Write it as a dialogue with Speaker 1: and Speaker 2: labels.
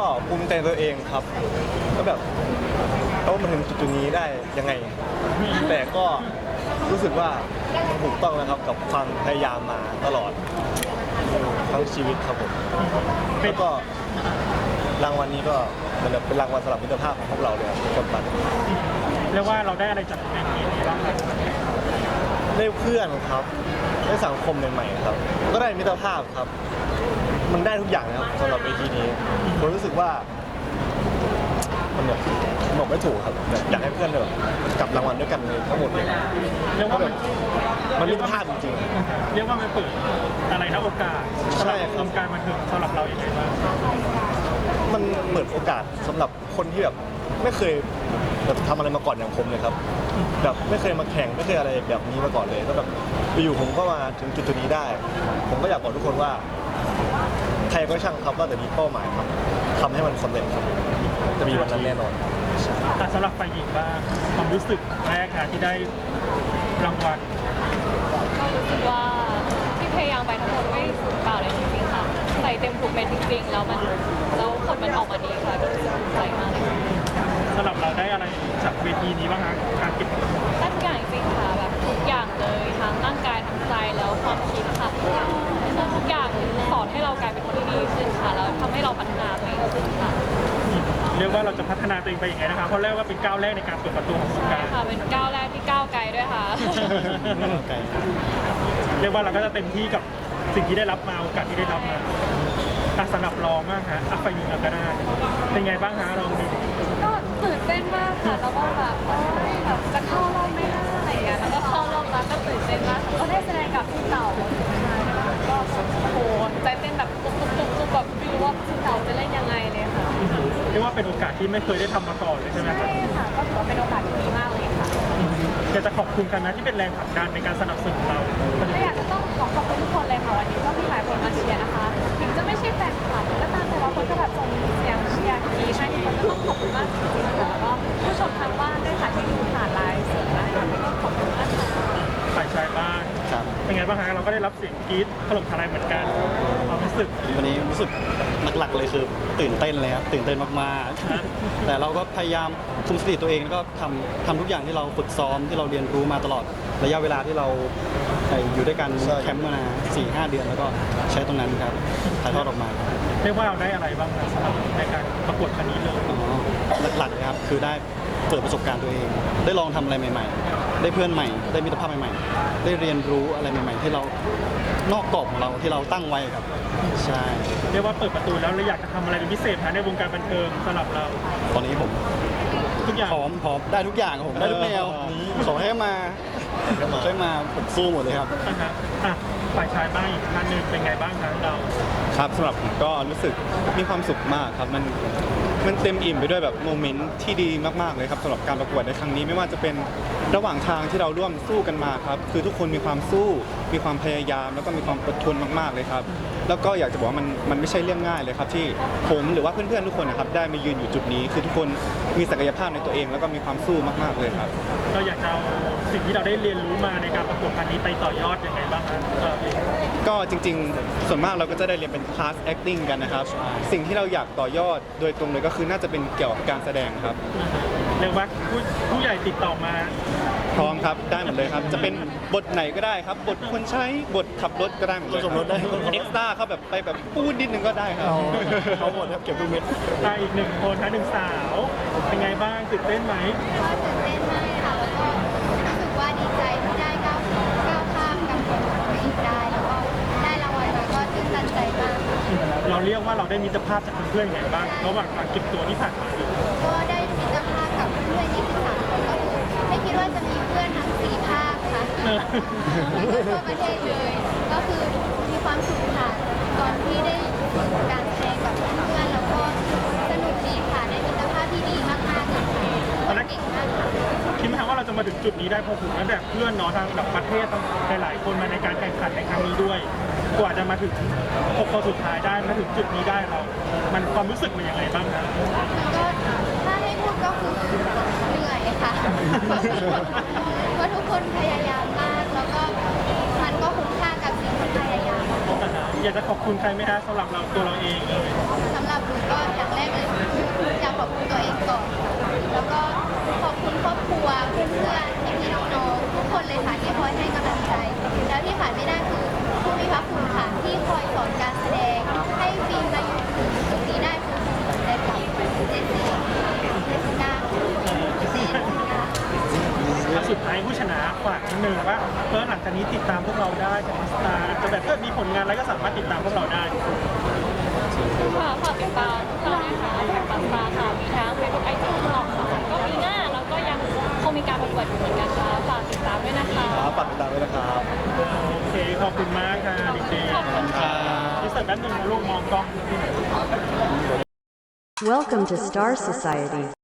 Speaker 1: ภูมิใจตัวเองครับก็แบบเขามาถึงจุดนี้ได้ยังไง แต่ก็รู้สึกว่าถูกต้องนะครับกับความพยายามมาตลอดทั้งชีวิตครับผมแล้วก็รางวัลนี้ก็เหมือนแบบเป็นรางวัลสำหรับมิตรภาพของพวกเราเลยทุกคนปัน
Speaker 2: เรียกว่าเราได้อะไรจากเวทีนี้บ้างครับ
Speaker 1: ได้เพื่อนครับได้สังคมใหม่ๆครับก็ได้มิตรภาพครับ มันได้ทุกอย่างนะครับสำหรับเวทีนี้ผมรู้สึกว่ามันแบบบอกไม่ถูกครับแบบอยากให้เพื่อนแบบกลับรางวัลด้วยกันเลยทั้งหมดเลย
Speaker 2: เรียกว่ามัน
Speaker 1: มันมิตรภาพจริง
Speaker 2: เรียกว่ามันเปิดอะไรนะโอกาสสำหรับวงการบันเทิงสำหรับเราอย่างไรบ้าง
Speaker 1: ๆมันเปิดโอกาสสำหรับคนที่แบบไม่เคยแบบทำอะไรมาก่อนอย่างผมเลยครับแบบไม่เคยมาแข่งไม่เคยอะไรแบบนี้มาก่อนเลยก็แบบอยู่ๆผมก็มาถึงจุดนี้ได้ ผมก็อยากบอกทุกคนว่าใครก็ช่างครับว่าแต่มีเป้าหมายครับทำให้มันสำเร็จครับจะมีวันนั้นแน่นอน
Speaker 2: แต่สำหรับฝ่ายหญิงบ้างความรู้สึกแรกค่ะที่ได้รางวัล
Speaker 3: ก็รู้สึกว่าที่พยายามไปทั้งหมดไม่สูญเปล่าเลยจริงๆค่ะใส่เต็มทุกเม็ดจริงๆแล้วผลมันออกมาดีค่ะก็รู้สึกภูมิใจมากเลย
Speaker 2: สำหรับเราได้อะไรจากเวทีนี้บ้างคะการเก็บ
Speaker 3: ได้ทุกอย่างจริงๆค่ะแบบทุกอย่างเลยทั้งร่างกายทั้งใจแล้วความคิดค่ะคือทุกอย่างสอนให้เรากลายเป็นคนที่ดีขึ้นค่ะแล้วทำให้เราพัฒนาตัวเองขึ้นค่ะ
Speaker 2: เรียกว่าเราจะพัฒนาตัวเองไปยังไงนะคะเพราะเรียกว่าเป็นก้าวแรกในการเปิดประตูของวง
Speaker 3: ใช่
Speaker 2: การ
Speaker 3: ค่ะเป็นก้าวแรกที่ก้าวไกลด้วยค่ะ
Speaker 2: เรียกว่าเราก็จะเต็มที่กับสิ่งที่ได้รับมาโอกาสที่ได้รับมาสำหรับรองมากฮะฝ่ายหญิงเราก็ได้เป็นไงบ้างฮะรองดี
Speaker 3: ก็ตื่นเต้นมากค่ะแล้วก็แบบแบบจะเข้ารอบไม่ได้อะไรอย่างเงี้ยแล้วก็เข้ารอบแล้วก็ตื่นเต้นมากก็ได้แสดงกับพี่เต่าก็โอ้โหใจเต้นแบบตุ๊บแบบไม่รู้ว่าพี่เต่าจะเล่นยังไงเลยค่ะ
Speaker 2: เรียกว่าเป็นโอกาสที่ไม่เคยได้ทำมาก่อนเลยใช่ไหมครับ
Speaker 3: ใช่ค่ะก็ถือว่าเป็นโอกาสที่ดีมากเลยค่ะ
Speaker 2: อยากจะขอบคุณกันนะที่เป็นแรงผลักดันในการสนับสนุนเรา
Speaker 3: ก็อยากจะต้องขอบคุณทุกคนเลยค่ะวันนี้ก็มีหลายคนมาเชียร์นะคะถึงจะไม่ใช่แฟนคลับก็ตามแต่ว่าคนก็แบบส่งเสียงเชียร์กรี๊ดให้ทุกคนก็ต้องขอบคุณมากจริงๆค่ะแล้วก็ผู้ชมทางบ้านด้วยค่ะที่ดูผ่านไลฟ์สดนะคะก็ขอบคุณมากค่ะ
Speaker 2: ฝ่ายชายบ้าง
Speaker 1: ครับ
Speaker 2: เป็นไงบ้างฮะเราก็ได้รับเสียงกรี๊ดถล่มทลายเหมือนกันความรู้สึก
Speaker 4: วันนี้รู้สึกหลักๆเลยคือตื่นเต้นเลยครับตื่นเต้นมากๆ แต่เราก็พยายามคุมสติตัวเองแล้วก็ทำทุกอย่างที่เราฝึกซ้อมที่เราเรียนรู้มาตลอดระยะเวลาที่เราอยู่ด้วยกัน
Speaker 1: ใช่
Speaker 4: แคมป์มา 4-5 เดือนแล้วก็ใช้ตรงนั้นครับถ่ายทอดออกมา
Speaker 2: เรียกว่าเราได้อะไรบ้างครับสำหรับในการประกวดครั้งนี้เลย
Speaker 4: อ๋อหลักๆเลยครับคือได้เปิดประสบการณ์ตัวเอง ได้ลองทำอะไรใหม่ ๆ ได้เพื่อนใหม่ ได้มิตรภาพใหม่ๆ ได้เรียนรู้อะไรใหม่ ๆ ที่เรานอกกรอบของเราที่เราตั้งไว้ครับใช่
Speaker 2: เรียกว่าเปิดประตูแล้วเราอยากจะทำอะไรเป็นพิเศษฮะในวงการบันเทิงสำหรับเรา
Speaker 4: ตอนนี้ผม
Speaker 2: ทุกอย่าง
Speaker 4: พร้อมได้ทุกอย่างครับผมได้ทุกแนวขอให้มาผมสู้หมดเลยครับ
Speaker 2: นะฮะอ่ะฝ่ายชายบ้างอีกท่านหนึ่งเป็นไงบ้างครับเรา
Speaker 5: ครับสำหรับผมก็รู้สึกมีความสุขมากครับมันเต็มอิ่มไปด้วยแบบโมเมนต์ที่ดีมากๆเลยครับสำหรับการประกวดในครั้งนี้ไม่ว่าจะเป็นระหว่างทางที่เราร่วมสู้กันมาครับคือทุกคนมีความสู้มีความพยายามแล้วก็มีความอดทนมากๆเลยครับแล้วก็อยากจะบอกว่ามันไม่ใช่เรื่องง่ายเลยครับที่ผมหรือว่าเพื่อนๆทุกคนนะครับได้มายืนอยู่จุดนี้ คือทุกคนมีศักยภาพในตัวเอง แล้วก็มีความสู้มากๆเลยครับ
Speaker 2: เราอยากจะเอาสิ่งที่เราได้เรียนรู้มาในการประกวดครั้งนี้ไปต่อยอดยังไงบ้างฮะ
Speaker 5: ก็จริงๆ ส่วนมากเราก็จะได้เรียนเป็นคลาส acting กันนะครับ สิ่งที่เราอยากต่อยอดโดยตรงเลยก็คือน่าจะเป็นเกี่ยวกับการแสดงครับ
Speaker 2: เรียกว่าผู้ใหญ่ติดต่อมา
Speaker 5: พร้อมครับ ได้หมดเลยครับ จะเป็นบทไหนก็ได้ครับ บทคนใช้บทขับรถก็ได้หมดเลย
Speaker 1: สมรสได้
Speaker 5: เอ็กซ์ต้าเขาแบบไปแบบพูดนิดนึงก็ได้ครับ
Speaker 1: เอาหมดครับเก็บทุกเม็ด
Speaker 2: ได้อีกหนึ่งคนฮะหนึ่งสาวเป็นไงบ้างตื่นเต้นไหม
Speaker 6: ก็ตื่นเต้นมากค่ะแล้วก็รู้สึกว่าดีใจที่ได้ก้าวข้ามกับคนของตัวเองได้แล้วก็ได้รางวัลแล้วก็ตื่นตันใจมากค่ะ
Speaker 2: เราเรียกว่าเราได้มิตรภาพจากเพื่อนๆยังไงบ้างระหว่างการเก็บตัวที่ผ่านมา
Speaker 6: ก็ได้มิตรภาพกับเพื่อน23 คนก็คือไม่คิดว่าจะมีเพื่อนทั้ง4 ภาคค่ะทั่วประเทศเลยก็คือมีความสุขค่ะตอนที่ได้การแสดงกับเพื่อนๆแล้วก็สนุกดีค่ะได้มิตรภาพที่ดีมากๆเลยค่ะเก่งมากค่ะ
Speaker 2: คิดไหมครับว่าเราจะมาถึงจุดนี้ได้เพราะผมและแบบเพื่อนเนาะทางแบบประเทศหลายๆคนมาในการแข่งขันในครั้งนี้ด้วยกว่าจะมาถึง6คนสุดท้ายได้มาถึงจุดนี้ได้เรามันความรู้สึกมันยังไงบ้างนะ
Speaker 6: ก็ถ้าให้พูดก็คือเหนื่อยค่ะ เพราะทุกคนพยายามมาก แล้วก็มันก็คุ้มค่ากับสิ่งที่พยายาม
Speaker 2: อยากจะขอบคุณใครไหมฮะสำหรับเราตัวเราเองเลย
Speaker 6: สำหรับหนูก็อย่างแรกเลย
Speaker 2: จากนี้ติดตามพวกเราได้จากสตาร์จะแบบมีผลงานอะไรก็สามารถติดตามพวกเราได้
Speaker 3: ค่ะฝากติดตามเรานะคะแท็กปังปลาค่ะมีทั้งเฟซบุ๊กไอจีตลอดค่ะก็ปีหน้าเราก็ยังคงมีการประกวดอยู่เหมือนกันค่ะฝากติดตามด้วยนะคะ
Speaker 1: ครับฝากติดตามด้วยนะครับ
Speaker 2: โอเค ขอบคุณมากค่ะเด็กๆ
Speaker 3: ขอบคุณค่ะ
Speaker 2: ที่เสิร์ฟแป๊บนึงนะลูกมองกล้อง
Speaker 7: Welcome to Star Society.